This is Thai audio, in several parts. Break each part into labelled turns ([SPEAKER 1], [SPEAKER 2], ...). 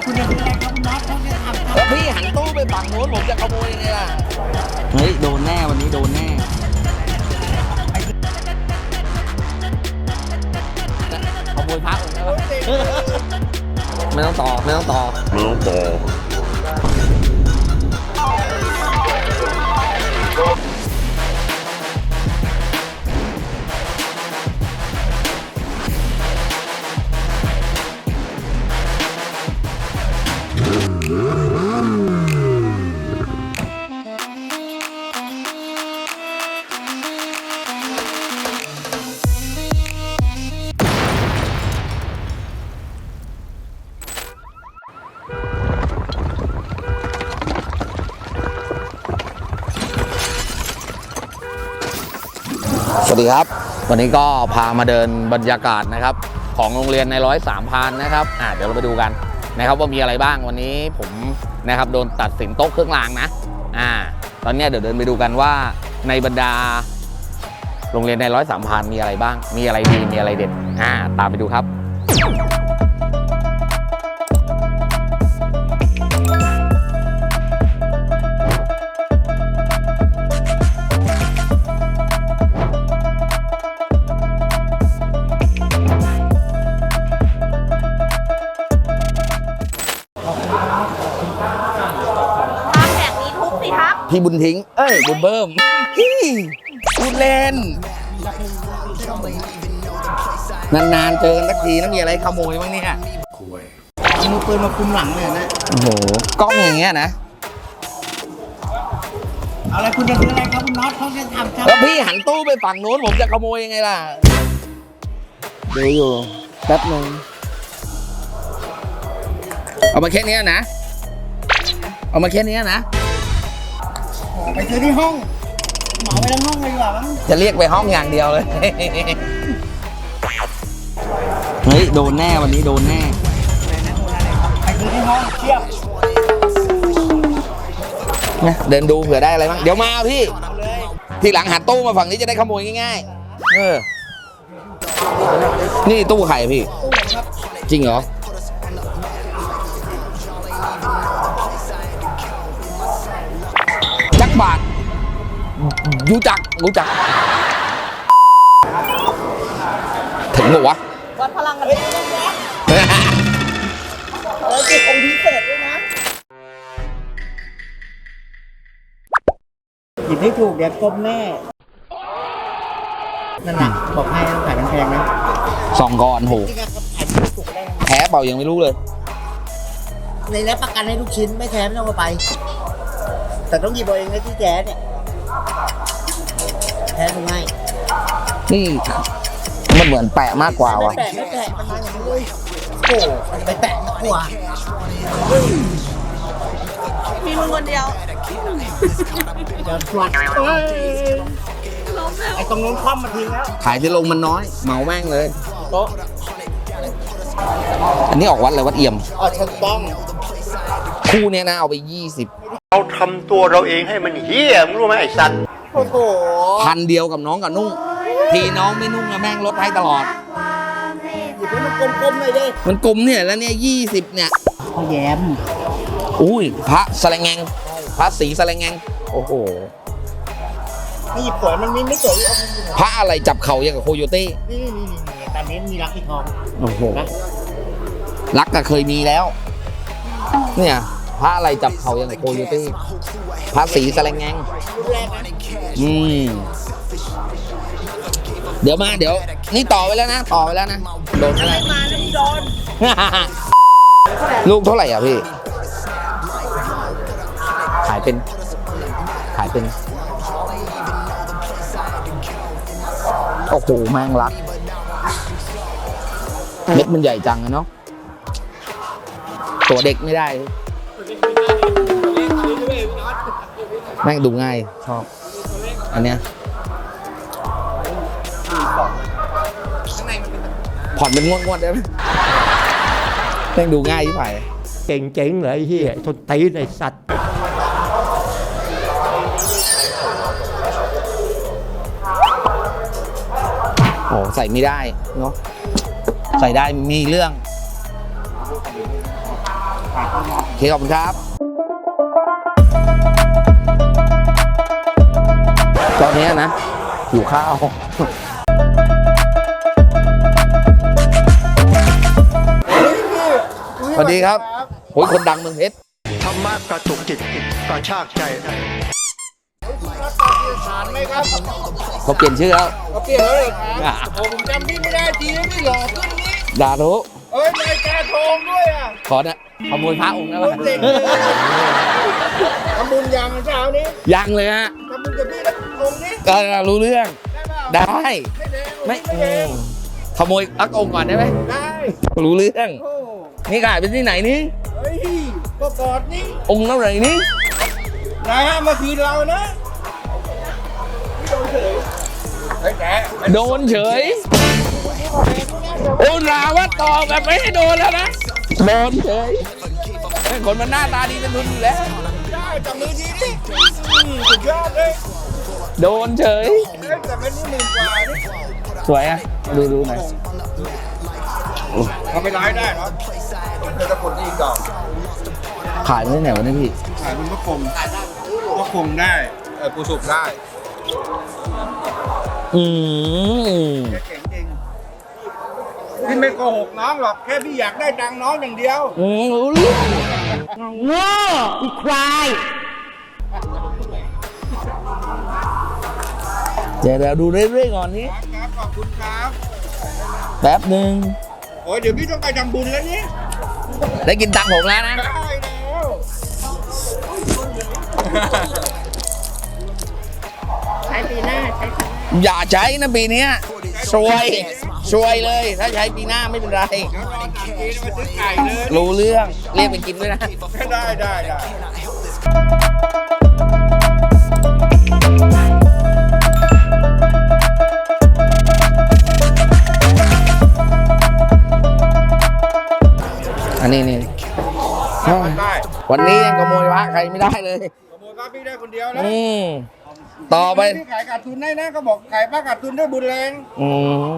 [SPEAKER 1] คุณจะซื้ออะไรครับคุณน็อตเขาจะทำ
[SPEAKER 2] แล้วพี่หันตู้ไปฝั่งโน้นผมจะขโมยยังไงล่ะเฮ้ยโดนแน่วันนี้โดนแน่ขโมยพระองค์แล้วไม่ต้องต่อไม่ต้องต่อไม่ต้องต่อสวัสดีครับวันนี้ก็พามาเดินบรรยากาศนะครับของโรงเรียนใน103 พานนะครับเดี๋ยวเราไปดูกันนะครับว่ามีอะไรบ้างวันนี้ผมนะครับโดนตัดสินโต๊ะเครื่องรางนะตอนนี้เดี๋ยวเดินไปดูกันว่าในบรรดาโรงเรียนใน103 พานมีอะไรบ้างมีอะไรดีมีอะไรเด็ดตามไปดูครับพี่บุญทิ้งบุญเบิ้มพูดเล่นนานๆเจอกันสักทีแล้วมีอะไรขโมยบ้างเนี่ย
[SPEAKER 1] เอามือปืนมาคุมหลังเลยนะ
[SPEAKER 2] โอ้โหกล้องอย่างเงี้ยนะ
[SPEAKER 1] เอาอะไรคุณจะซื้ออะไรครับคุณน็อตเขาจะทำ
[SPEAKER 2] แล้วพี่หันตู้ไปฝั่งโน้นผมจะขโมยยังไงล่ะดูอยู่แป๊บนึงเอามาแค่นี้นะเอามาแค่นี้นะ
[SPEAKER 1] ไปซื้อที่ห้องเหมาไปทั้งห้องเลยดีกว่ามั้ง
[SPEAKER 2] จะเรียกไปห้องอย่างเดียวเลยเฮ้ยโดนแน่วันนี้โดนแน่
[SPEAKER 1] ไปซื้อที่ห้องเทียบ
[SPEAKER 2] เดินดูเผื่อได้อะไรบ้างเดี๋ยวมาพี่ทีหลังหันตู้มาฝั่งนี้จะได้ขโมยง่ายๆนี่ตู้ไข่พี่จริงเหรอจักบาทรู้จักถึงหรอวะ
[SPEAKER 1] วัดพลังกันเลยแล้วจิตองค์พิเศษด้วยนะหยิบให้ถูกเดี๋ยวก้มแน่นั่นแหละบอกให้ต้องขายแพงนะ
[SPEAKER 2] 2 ก้อนโหแพ้เปล่ายังไม่รู้เลย
[SPEAKER 1] ในรับประกันให้ทุกชิ้นไม่แท้ไม่ต้องเอาไปแต่ต้องหยิบเอาเองนะที่แท้เนี่ยแท้ตรงง่าย
[SPEAKER 2] นี่มันเหมือนแปะมากกว่าวะ
[SPEAKER 1] ไม่แปะมันมาอย่างนี้เลยโอ้มันไปแปะมากกว่ามีมึงคนเดียวเดี๋ยวชวนไอ้ตรงนู้นคว่ำมาทิ้งแล้ว
[SPEAKER 2] ขายที่ลงมันน้อยเหมาแม่งเลย
[SPEAKER 1] โต๊ะ
[SPEAKER 2] อันนี้ออกวัดอะไรวัดเอี่ยม
[SPEAKER 1] ฉันต้อง
[SPEAKER 2] คู่เนี้ยนะเอาไป20
[SPEAKER 3] เราทำตัวเราเองให้มันเหี้ยมึงรู้ไหมไอ้สัตว์
[SPEAKER 1] โอ้โห
[SPEAKER 2] 1,000 เดียวกับน้องกับนุ่งทีน้องไม่นุ่งแล้วแม่งลดให้ตลอด
[SPEAKER 1] หยิบให้มันกลมๆเลยดิ
[SPEAKER 2] มันกลมเนี่ยแล้วเนี่ย20เนี่ย
[SPEAKER 1] พ่อแย้ม
[SPEAKER 2] อุ้ยพระสแลงแงงพระสีสแลงแงงโอ้โห
[SPEAKER 1] นี่หยิบสวยมันไม่สวย
[SPEAKER 2] พระอะไรจับเข่าอย่างกับโคโยตี้
[SPEAKER 1] นี่ตอนนี้มีรักที่ทอง
[SPEAKER 2] โอ้โหรักก็เคยมีแล้วเนี่ยพระอะไรจับเข่าอย่างกับโคโยตี้พระสีสแลงแงงเดี๋ยวนี่ต่อไปแล้วนะโดนอะไร
[SPEAKER 1] มาแล้วโดน
[SPEAKER 2] ลูกเท่าไหร่อ่ะพี่ขายเป็นโอ้โหแมงลักเม็ดมันใหญ่จังนะเนาะตัวเด็กไม่ได้แม่งดูง่ายชอบอันเนี้ยผ่อนเป็นงวดได้ไหมแม่งดูง่ายที่ไหน
[SPEAKER 4] เก่งๆเลยไอ้เหี้ยทนตีนไอ้สัตว์
[SPEAKER 2] โอ้ใส่ไม่ได้เนาะใส่ได้มีเรื่องเคขอบคุณครับตอนนี้นะหิวข้าวสวัสดีครับโอ้ยคนดังเมืองเพชร
[SPEAKER 3] ธรรมะกระตุกจิตกระชากใจ
[SPEAKER 2] เขาเปลี่ยนชื่อแล้ว
[SPEAKER 5] เขาเปลี่ยนแล้วเลยครับโอ้ผมจำพี่ไม่ได้ทีนี้พี่หล่อขึ้นนี้
[SPEAKER 2] ด่าทุ
[SPEAKER 5] เอ้ยนายกาทองด้วยอ่ะ
[SPEAKER 2] ขอเนี่ยขโมยพระองค์ได้ปะ
[SPEAKER 5] เด็กเลยทำบุญยังเช้านี้
[SPEAKER 2] ยังเลยฮะ
[SPEAKER 5] ทำบุญกับพี่แล้วองค์นี้
[SPEAKER 2] ก็รู้เรื่อง
[SPEAKER 5] ได้เปล่า
[SPEAKER 2] ได้
[SPEAKER 5] ไม่แดง
[SPEAKER 2] ไม่ ขโมยอักองค์ก่อนได้ไหม
[SPEAKER 5] ได้
[SPEAKER 2] รู้เรื่อง
[SPEAKER 5] โอ้
[SPEAKER 2] นี่ขายเป็นที่ไหนนี่
[SPEAKER 5] เฮ้ยก็กอดนี่
[SPEAKER 2] องค์เท่าไหร่นี่
[SPEAKER 5] นายห้ามมาคืนเรานะไม่โดนเฉยเฮ้ยแก
[SPEAKER 2] โดนเฉย โอ้ราว่าต่อแบบไม่ให้โดนแล้วนะ โดนเฉยคนมันหน้าตาดีเป็นทุนอยู่แล้ว
[SPEAKER 5] ได้จับมือทีนี่สุดยอดเลย
[SPEAKER 2] โดนเฉย
[SPEAKER 5] เฮ้ยแต่เป็นนี่10,000 กว่านี่
[SPEAKER 2] สวยอ่ะ ดูหน่อย
[SPEAKER 5] เขาไปร้ายได้เหรอเธอจะกดนี่ก่อน
[SPEAKER 2] ขายที่ไหนวะเนี่ยพี่
[SPEAKER 5] ขายเป็นพระคงได้ปูสุกได้
[SPEAKER 2] อืม
[SPEAKER 5] เก่งจริงพี่ไม่โกหกน้องหรอกแค่พี่อยากได้ตังค์น้องอย่างเดียว
[SPEAKER 2] รู้เรื่อง
[SPEAKER 6] โง่อีควาย
[SPEAKER 2] เดี๋ยวดูเรื่อยๆก่อนนี้
[SPEAKER 5] ครับขอบคุณครับ
[SPEAKER 2] แป๊บหนึ่ง
[SPEAKER 5] โอ้ยเดี๋ยวพี่ต้องไปทำบุญแล้วนี่
[SPEAKER 2] ได้กินตังค์ผมแล้วนะ
[SPEAKER 5] ได้แล้ว
[SPEAKER 6] ใช้ปีหน้าใช้ปี
[SPEAKER 2] อย่าใช้นะปีเนี้ยซวยเลย ถ้าใช้ปีหน้าไม่เป็นไร
[SPEAKER 5] เดี๋ยวรอทำทีมาซื้อไก่เลย
[SPEAKER 2] รู้เรื่อง เรียกไปกินด้วยนะ
[SPEAKER 5] ได้
[SPEAKER 2] อันนี้นี่
[SPEAKER 5] ได้
[SPEAKER 2] วันนี้ยังขโมยพระใครไม่ได้เลย
[SPEAKER 5] ขโมยป้าพี่ได้คนเดียวแล้ว
[SPEAKER 2] ต่อไป
[SPEAKER 5] พี่ขายขาดทุนได้นะเขาบอกขายป้าขาดทุนได้บุญแรง
[SPEAKER 2] อืม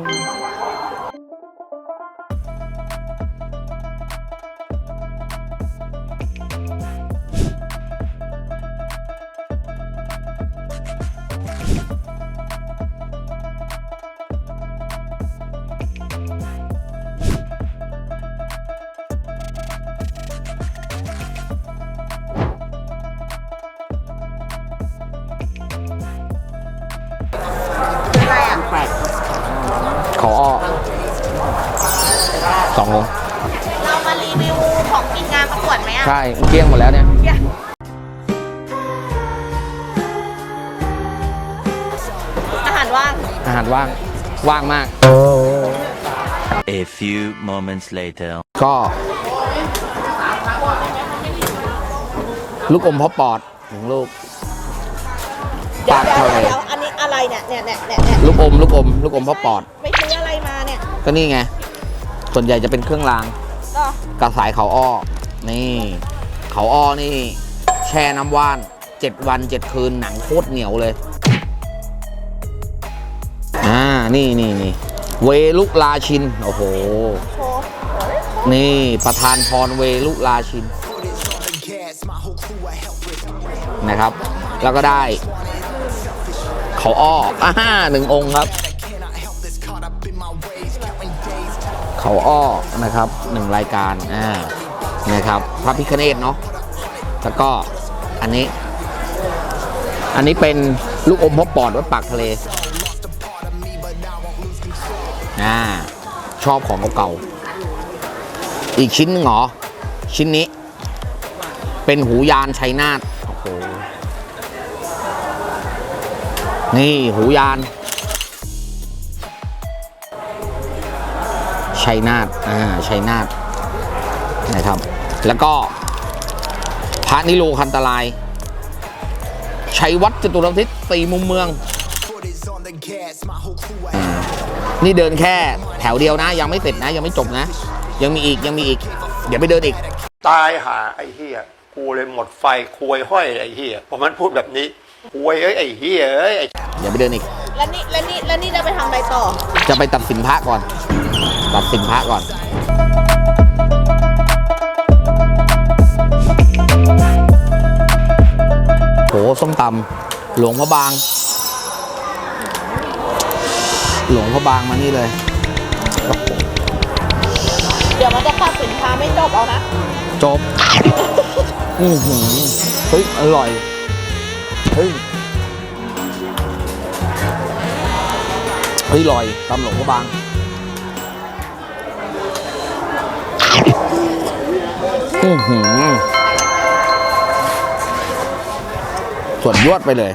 [SPEAKER 2] ขออ้อ2 องค์
[SPEAKER 6] เรามารีวิวของกินงานประกวดไหมอ่ะ
[SPEAKER 2] ใช่เกลี้ยงหมดแล้วเนี่ย
[SPEAKER 6] อาหารว่าง
[SPEAKER 2] อาหารว่างมาก
[SPEAKER 7] A few moments later.
[SPEAKER 2] ก็ ลูกอมพ่อปอด1 ลูก
[SPEAKER 6] เดี๋ยว
[SPEAKER 2] ปากเท่าไหร่
[SPEAKER 6] อันนี้อะไรเนี่ย
[SPEAKER 2] ลูกอมพ่อปอด
[SPEAKER 6] ไปซื้ออะไรมาเนี่ย
[SPEAKER 2] ก็นี่ไง ส่วนใหญ่จะเป็นเครื่องราง
[SPEAKER 6] ก็
[SPEAKER 2] กระสายเขาอ้อ นี่ เขาอ้อนี่ แช่น้ำว่าน 7 วัน 7 คืนหนังโคตรเหนียวเลย นี่เวลุลาชิน โอ้โห
[SPEAKER 6] โชว์
[SPEAKER 2] นี่ประธานพรเวลุลาชิน นะครับ แล้วก็ได้ เขาอ้อ1 องค์ครับ เขาอ้อนะครับ1 รายการนะครับพระพิฆเนศเนาะแล้วก็อันนี้เป็นลูกอมพ่อปอดวัดปากทะเลชอบของเก่าๆอีกชิ้นหนึ่งเหรอชิ้นนี้เป็นหูยานชัยนาทโอ้โหนี่หูยานชัยนาทชัยนาทนะครับ แล้วก็พระนิโรคันตราย ชัยวัดจตุรทิศ4 มุมเมืองนี่เดินแค่แถวเดียวนะ ยังไม่เสร็จนะ ยังไม่จบนะ ยังมีอีก เดี๋ยวไปเดินอีก
[SPEAKER 3] ตายหาไอ้เหี้ยกูเลยหมดไฟควยห้อยไอ้เหี้ยพอมันพูดแบบนี้ควยไอ้เหี้ยไอ้
[SPEAKER 2] เดี๋ยวไปเดินอีก
[SPEAKER 6] แล้วนี่จะไปทำอะไรต่อ
[SPEAKER 2] จะไปตัดสินพระก่อน ตัดสินพระก่อนส้มตำหลวงพระบาง หลวงพระบางมานี่เลย
[SPEAKER 6] เดี๋ยวมันจะตัดสินค้าไม่จบเอานะ
[SPEAKER 2] จบ เฮ้ย อร่อย เฮ้ย อร่อยตำหลวงพระบาง ส่วนยวดไปเลย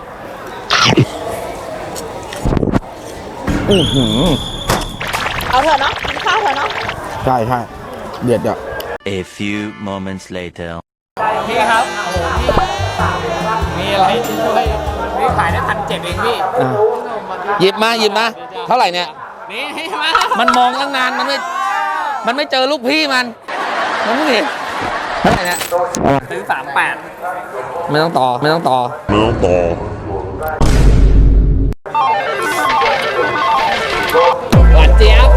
[SPEAKER 6] เอาเถอะเนาะกินข้าวเถอะเนาะ
[SPEAKER 2] ใช่ใช่เดือดอ่ะ
[SPEAKER 7] A few moments later.
[SPEAKER 8] พี่ครับ โอ้โหพี่ มีอะไรที่ช่วยพี่ขายได้1,700เองพี่
[SPEAKER 2] หยิบมาหยิบมา เท่าไหร่เนี่ย
[SPEAKER 8] นี่มา
[SPEAKER 2] มันมองตั้งนาน มันไม่เจอลูกพี่มันไม่เห็นเท่าไหร่เนี่ย
[SPEAKER 8] ซื้อ38
[SPEAKER 2] ไม่ต้องต่อ ไม่ต้องต่อ
[SPEAKER 8] หวานเจี๊ยบ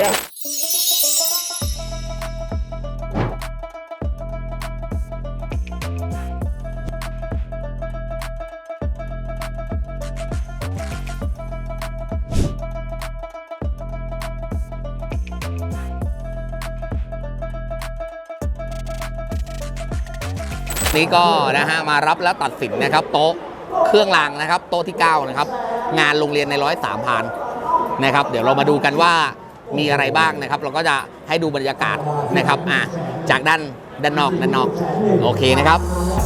[SPEAKER 2] นี่ก็นะฮะมารับแล้วตัดสินนะครับ โต๊ะเครื่องรางนะครับ โต๊ะที่ 9 นะครับ งานโรงเรียนใน103 พานนะครับ เดี๋ยวเรามาดูกันว่ามีอะไรบ้างนะครับ เราก็จะให้ดูบรรยากาศนะครับจากด้านนอกโอเคนะครับ